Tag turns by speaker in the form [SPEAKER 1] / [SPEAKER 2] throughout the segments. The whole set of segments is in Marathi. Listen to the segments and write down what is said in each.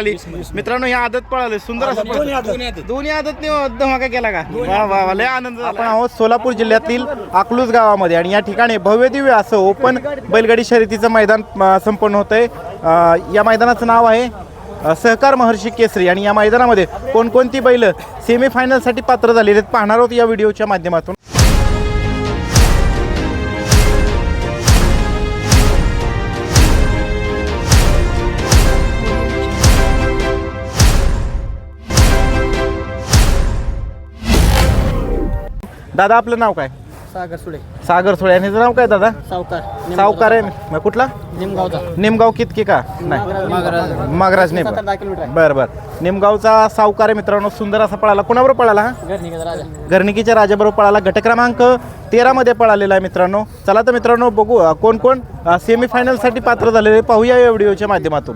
[SPEAKER 1] पळाली मित्रांनो. ही आदत पळाली सुंदर असं दोन्ही आदत धमाका केला का? वा वा वा, लय आनंद झाला. आपण आहोत सोलापूर जिल्ह्यातील अकलूज गावामध्ये आणि या ठिकाणी भव्य दिव्य असं ओपन बैलगाडी शर्यतीचं मैदान संपन्न होतंय. या मैदानाचं नाव आहे सहकार महर्षी केसरी आणि या मैदानामध्ये कोणकोणती बैल सेमीफायनलसाठी पात्र झालेले आहेत पाहणार आहोत या व्हिडिओच्या माध्यमातून. दादा आपलं नाव काय?
[SPEAKER 2] सागर सुडे.
[SPEAKER 1] सागर सुळे. आणि नाव काय दादा?
[SPEAKER 2] सावकार.
[SPEAKER 1] सावकार आहे. कुठला?
[SPEAKER 2] निमगावचा.
[SPEAKER 1] निमगाव कितकी का? नाही मागराज नेम. बरं बरं. निमगावचा सावकार आहे मित्रांनो. सुंदर असा पळाला. कोणाबरोबर पळाला हा? घरणिकीच्या राजाबरोबर पळाला. गट क्रमांक 13 मध्ये पळालेला आहे मित्रांनो. चला तर मित्रांनो बघू कोण कोण सेमीफायनलसाठी पात्र झालेले पाहूया या व्हिडिओच्या माध्यमातून.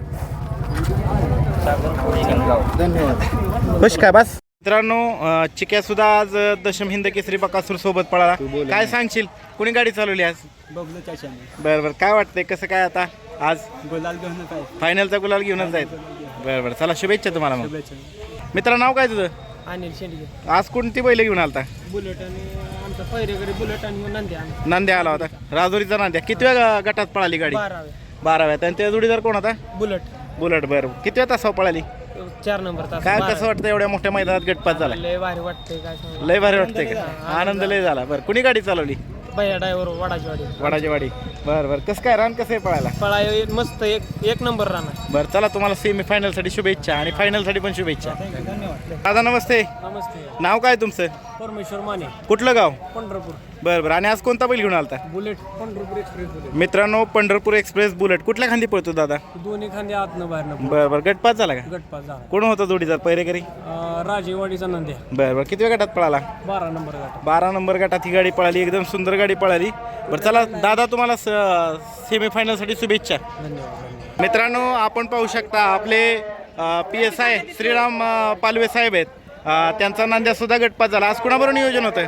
[SPEAKER 2] धन्यवाद.
[SPEAKER 1] खुश काय बस मित्रांनो. चिक्या सुद्धा आज दशम हिंद केसरी बकासूर सोबत पळाला. काय सांगशील कुणी गाडी चालवली आज? बरं बरं. काय वाटतंय कसं काय आता आज
[SPEAKER 2] गुलाल घेऊन काय
[SPEAKER 1] फायनलचा गुलाल घेऊनच जायचं? बरं बरं. चला शुभेच्छा तुम्हाला. मग मित्र नाव काय तुझं?
[SPEAKER 2] अनिल शेंडगे.
[SPEAKER 1] आज कोणती बैल घेऊन आलता?
[SPEAKER 2] बुलेट आणि आमचा पहिरेकरी बुलेट आणि नांद्या.
[SPEAKER 1] नांद्या आला होता. राजुरीचा नांद्या. कितव्या गटात पळाली गाडी? 12व्या. आणि त्या जोडीदार कोण होता?
[SPEAKER 2] बुलेट.
[SPEAKER 1] बुलेट. बरं. कितव्या तासावर पळाली?
[SPEAKER 2] 4 नंबर तास.
[SPEAKER 1] काय कसं वाटतं एवढ्या मोठ्या मैदानात गटपात झाला?
[SPEAKER 2] लय भारी वाटतंय. काय सांगू.
[SPEAKER 1] लय भारी वाटतंय का? आनंद लय झाला. बरं. कुणी गाडी चालवली?
[SPEAKER 2] भैया ड्रायव्हर वडाची वाडी.
[SPEAKER 1] वडाची वाडी. बरं बरं. कसं काय रान कसं आहे पळायला?
[SPEAKER 2] पळाय मस्त एक नंबर राहणार.
[SPEAKER 1] बरं चला तुम्हाला सेमीफायनलसाठी शुभेच्छा आणि फायनलसाठी पण शुभेच्छा.
[SPEAKER 2] धन्यवाद.
[SPEAKER 1] दादा नमस्ते.
[SPEAKER 2] नमस्ते.
[SPEAKER 1] नाव काय तुमचं?
[SPEAKER 2] परमेश्वर माने.
[SPEAKER 1] कुठलं गाव?
[SPEAKER 2] पंढरपूर.
[SPEAKER 1] बरं बरं. आणि आज कोणता बैल घेऊन आलता?
[SPEAKER 2] बुलेट. Pandharpur express bullet.
[SPEAKER 1] मित्रांनो पंढरपूर एक्सप्रेस बुलेट कुठल्या खांदी पळतो दादा?
[SPEAKER 2] दोन्ही खांदे आतनं बाहेरनं.
[SPEAKER 1] बरं बरं. गटपात झाला का?
[SPEAKER 2] गटपास झाला.
[SPEAKER 1] कोण होता जोडीदार पहिरेकरी?
[SPEAKER 2] राजेवाडीचा नंद्या.
[SPEAKER 1] बरं बरं. किती गटात पळाला?
[SPEAKER 2] 12 नंबर गट.
[SPEAKER 1] 12 नंबर गटात ही गाडी पळाली. एकदम सुंदर गाडी पळाली. बरं चला दादा तुम्हाला सेमीफायनलसाठी शुभेच्छा.
[SPEAKER 2] धन्यवाद.
[SPEAKER 1] मित्रांनो आपण पाहू शकता आपले PSI श्रीराम पालवे साहेब आहेत. त्यांचा नांद्या सुद्धा गटपात झाला. आज कुणाबरोबर नियोजन होतं?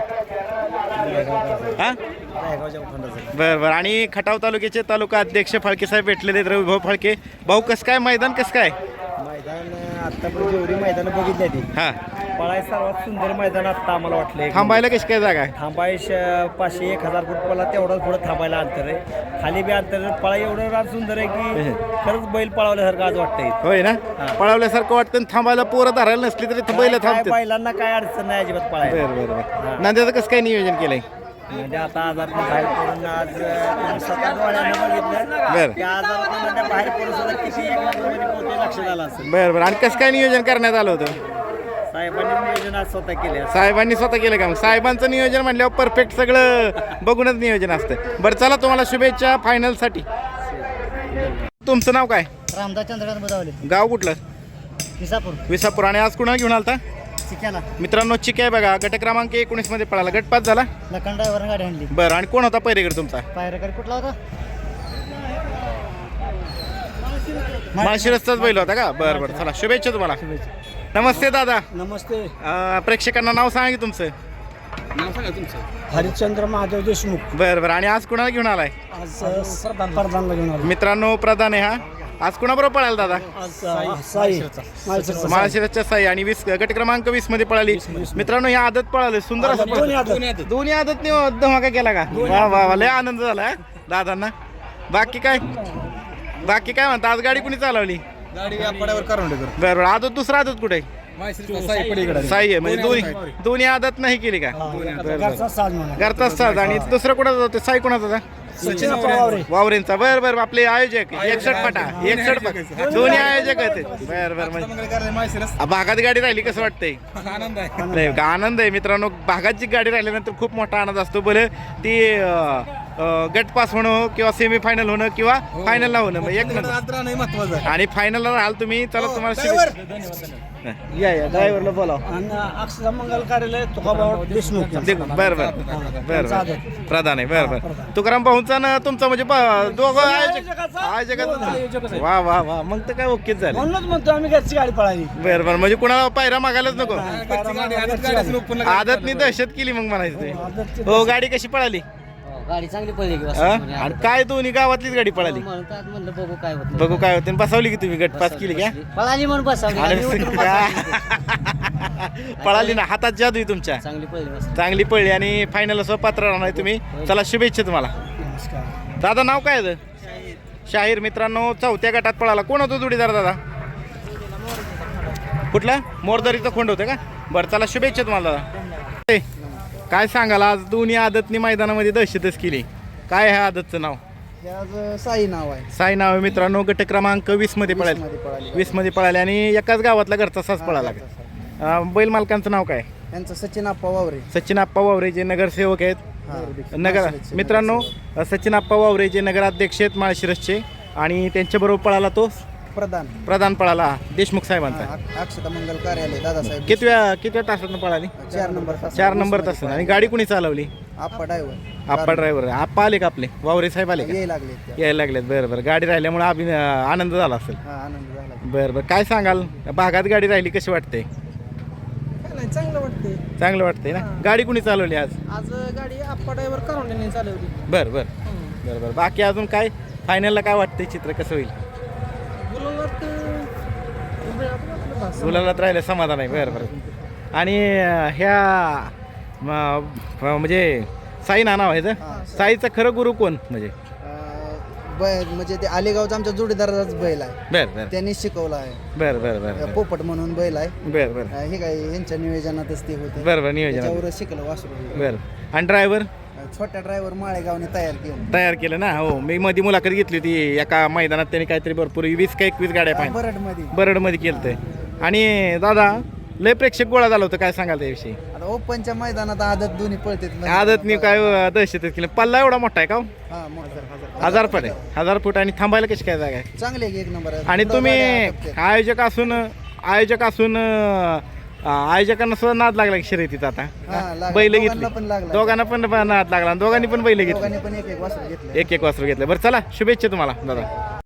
[SPEAKER 1] हां बरं बरं. आणि खटाव तालुक्याचे तालुका अध्यक्ष फाळके साहेब भेटलेले आहेत. रविभाऊ फाळके. भाऊ कसं काय मैदान कसं काय?
[SPEAKER 3] मैदान आतापर्यंत जेवढी मैदानं बघितली ती
[SPEAKER 1] हां
[SPEAKER 3] पळाय सर्वात सुंदर मैदान आता आम्हाला वाटलं.
[SPEAKER 1] थांबायला कशी काय जागा आहे?
[SPEAKER 3] थांबाय 500-1000 फूट पळा तेवढाच पुढं थांबायला अंतर आहे. खाली बी अंतर पळा एवढं रात सुंदर आहे की खरंच बैल पळवल्यासारखं आज वाटतंय.
[SPEAKER 1] होय ना? पळवल्यासारखं वाटतं. थांबायला पोरं धरायला नसली तरी बैल थांबते.
[SPEAKER 3] बैलांना काय अडचण नाही अजिबात पळायला.
[SPEAKER 1] बरं बरं बरं. नांद्याचं कसं काय नियोजन केलंय?
[SPEAKER 3] म्हणजे आता आजार बाहेर पडून आज स्वतः डोळ्यानं बघितलं
[SPEAKER 1] बरं
[SPEAKER 3] त्या आजारात म्हणजे बाहेर पडून सुद्धा किती एक नंबरमध्ये पोहोचते लक्षात आलं असेल.
[SPEAKER 1] बरं बरं. आणि कसं काय नियोजन करण्यात आलं होतं?
[SPEAKER 3] साहेबांनी नियोजन आज स्वतः केले.
[SPEAKER 1] साहेबांनी स्वतः केलं का? मग साहेबांचं नियोजन म्हणल्यावर परफेक्ट सगळं बघूनच नियोजन असतं. बरं चला तुम्हाला शुभेच्छा फायनलसाठी. तुमचं नाव काय?
[SPEAKER 2] रामदास चंद्रकांत बदावले.
[SPEAKER 1] गाव कुठलं?
[SPEAKER 2] विसापूर.
[SPEAKER 1] विसापूर. आणि आज कुणाला घेऊन आलता?
[SPEAKER 2] चिक्याला.
[SPEAKER 1] मित्रांनो चिक आहे बघा. गट क्रमांक 19 मध्ये पळाला. गटपात झाला.
[SPEAKER 2] लखन ड्रायव्हरनं गाडी आणली.
[SPEAKER 1] बरं. आणि कोण होता पहिरेकर तुमचा?
[SPEAKER 2] पायरेकर कुठला होता?
[SPEAKER 1] माळशिरसचाच बैल होता का? बरं बरं. चला शुभेच्छा तुम्हाला. नमस्ते दादा.
[SPEAKER 2] नमस्ते.
[SPEAKER 1] प्रेक्षकांना नाव सांगा की तुमचं.
[SPEAKER 2] नाव सांगा तुमचं. हरिश्चंद्र महादेव देशमुख.
[SPEAKER 1] बरं बरं. आणि आज कुणाला घेऊन आलाय?
[SPEAKER 2] आज प्रधानला घेऊन आलो.
[SPEAKER 1] मित्रांनो प्रधान आहे हा. आज कुणाबरोबर पळाला दादा?
[SPEAKER 2] साई.
[SPEAKER 1] माळशिरसच्या साई. आणि 20 गट क्रमांक 20 मध्ये पळाली. मित्रांनो ही आदत पळाली. सुंदर असं दोन्ही आदत धमाका केला का? वा वा वा. लय आनंद झाला दादांना. बाकी काय म्हणता? आज गाडी कुणी चालवली?
[SPEAKER 3] गाडी पड्यावर करून
[SPEAKER 1] बरं बरं. आदत दुसरा आदत कुठे? साई आहे. म्हणजे दोन्ही आदत नाही केली का? घरचाच साज. आणि दुसरं कुणाचा होतं? साई कुणाचा होता? वावरेंचा. बरं बरं. आपले आयोजक 61 फाटा 61 फाटा दोन्ही आयोजक आहेत. बरं बरं. म्हणजे भागात गाडी राहिली कसं वाटतंय? आनंद आहे मित्रांनो. भागाची गाडी राहिल्यानंतर खूप मोठा आनंद असतो. बरं ती गट पास होणं किंवा सेमी फायनल होणं किंवा फायनलला होणं एक महत्वाचं. आणि फायनलला राहाल तुम्ही. चला तुम्हाला या ड्रायव्हरला बोलाव.
[SPEAKER 2] मंगल कार्यालय तुकाबाव देशमुख.
[SPEAKER 1] बरं बरं बरं. प्रधान आहे. बरं बरं. तुकाराम भाऊंचा ना तुमचा म्हणजे दोघं आयोजक. वा वा वा. मग तर काय ओकेच झालं.
[SPEAKER 2] म्हणूनच म्हणतो आम्ही घरची गाडी पळाली.
[SPEAKER 1] बरं बरं. म्हणजे कुणाला पायरा मागायलाच नको. आदतनी दहशत केली मग म्हणायचं ते. हो गाडी कशी पळाली?
[SPEAKER 4] गाडी चांगली पडली की
[SPEAKER 1] हा? आणि काय दोन्ही गावातलीच गाडी पळाली
[SPEAKER 4] म्हणतात म्हणलं बघू काय होतं
[SPEAKER 1] बघू काय होते बसवली की तुम्ही गटपास केली का
[SPEAKER 4] पळाली म्हणून बसवली
[SPEAKER 1] अरे
[SPEAKER 4] गाडी उतरून बसवली.
[SPEAKER 1] पळाली ना हातात जादू आहे तुमच्या
[SPEAKER 4] चांगली पडली बस
[SPEAKER 1] चांगली पळली आणि फायनल असं पात्र राहणार तुम्ही चला शुभेच्छा तुम्हाला
[SPEAKER 2] नमस्कार.
[SPEAKER 1] दादा नाव काय आहे शाहीर मित्रांनो चौथ्या गटात पळाला कोण होतो जोडीदार दादा कुठला मोरदरीचा खोंड होतं का बरं चला शुभेच्छा तुम्हाला दादा ए, काय सांगाल आज दोन्ही आदतनी मैदानामध्ये दहशतच केली काय आहे आदतचं नाव
[SPEAKER 2] हे आज साई नाव आहे.
[SPEAKER 1] साई नाव आहे मित्रांनो गट क्रमांक 20 मध्ये पळाले 20 मध्ये पळाले आणि एकाच गावातला घरचा सास पळाला बैल मालकांचं नाव काय
[SPEAKER 2] यांचं सचिन आप्पा वावरे.
[SPEAKER 1] सचिन आप्पा वावरे जे नगरसेवक आहेत नगर मित्रांनो सचिन आप्पा वावरे जे नगराध्यक्ष आहेत माळशिरसचे आणि त्यांच्याबरोबर पळाला तो प्रधान पळाला देशमुख साहेबांचा
[SPEAKER 2] अक्षता मंगल कार्यालय दादासाहेब
[SPEAKER 1] कितव्या तासातनं पळाली
[SPEAKER 2] 4
[SPEAKER 1] नंबर तास आणि गाडी कुणी चालवली
[SPEAKER 2] आप्पा ड्रायव्हर
[SPEAKER 1] आप्पा ड्रायव्हर आप्पा आले का आपले वावरे साहेब आले का
[SPEAKER 2] यायला लागले.
[SPEAKER 1] यायला लागलेत बरं बरं गाडी राहिल्यामुळे आनंद झाला असेल
[SPEAKER 2] आनंद झाला.
[SPEAKER 1] बरं बरं काय सांगाल भागात गाडी राहिली कशी वाटते
[SPEAKER 2] चांगलं वाटते.
[SPEAKER 1] चांगलं वाटतंय ना गाडी कुणी चालवली आज
[SPEAKER 2] आज गाडी आप्पा ड्रायव्हर करून चालवली.
[SPEAKER 1] बरं बरं बाकी अजून काय फायनलला काय वाटतंय चित्र कसं होईल गुलालात राहिलं समाधान आहे बरं आणि ह्या म्हणजे साई नाव आहे साईचा खरं गुरु कोण म्हणजे
[SPEAKER 2] म्हणजे ते आलेगावचा आमच्या जोडीदाराचाच बैल आहे.
[SPEAKER 1] बरं
[SPEAKER 2] त्यांनी शिकवला आहे.
[SPEAKER 1] बरं
[SPEAKER 2] पोपट म्हणून बैल आहे.
[SPEAKER 1] बरं
[SPEAKER 2] हे काय यांच्या नियोजनातच ते होते.
[SPEAKER 1] बरं नियोजन
[SPEAKER 2] त्याच्यावर शिकलं वासरू.
[SPEAKER 1] बरं आणि ड्रायव्हर
[SPEAKER 2] छोट्या ड्रायव्हर माळेगावने
[SPEAKER 1] तयार केलं ना हो मी मध्ये मुलाखत घेतली होती एका मैदानात त्यांनी काहीतरी भरपूर 20 का 21 गाड्या पाहिजे बरडमध्ये केलं आणि दादा लय प्रेक्षक गोळा झाला होतं काय सांगाल त्याविषयी
[SPEAKER 2] आता ओपनच्या मैदानात आदत दोन्ही पळते.
[SPEAKER 1] आदतनी काय दहशतच केलं पल्ला एवढा मोठा आहे का 1000 फूट आहे 1000 फूट आणि थांबायला कशी काय जागा आहे
[SPEAKER 2] चांगले एक नंबर आहे.
[SPEAKER 1] आणि तुम्ही आयोजक असून आयोजकांना सुद्धा नाद लागला की शर्यतीचा आता बैल घेतली दोघांना पण नाद लागला दोघांनी पण बैल घेतली
[SPEAKER 2] पण एक वासरू घेतलं.
[SPEAKER 1] एक वासरू घेतलं बरं चला शुभेच्छा तुम्हाला दादा